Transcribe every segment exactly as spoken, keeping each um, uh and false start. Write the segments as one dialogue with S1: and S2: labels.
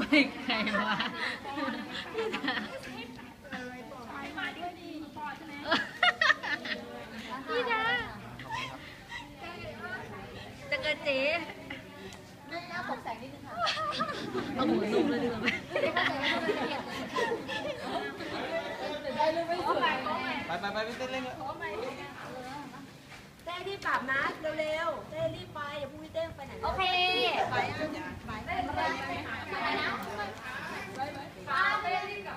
S1: ไม่ใครวะพี่ดาจะกระเจ๊เอาหูสูงเลยดีกว่าไหม
S2: ไปไปไปเต้นเล่นเลย
S3: เต้รีบปรับนะเร็วๆเต้รีบไปอย่าพูดเต้ไปไหนโอเคไปไปไปไปไปนะไปรีบกลับ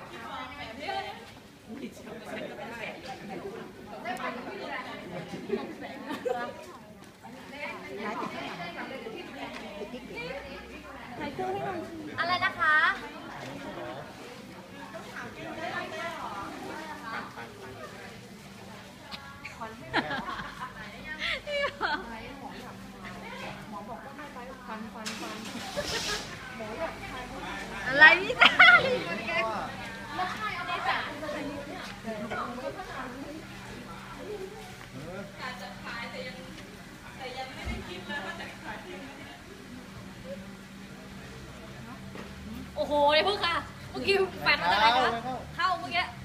S3: อะไรนะคะ
S1: อะไรพี่ชายโอ้โหเลยพวกค่ะเมื่อกี้แฟนมาจากไหนคะเข้าเมื่อกี้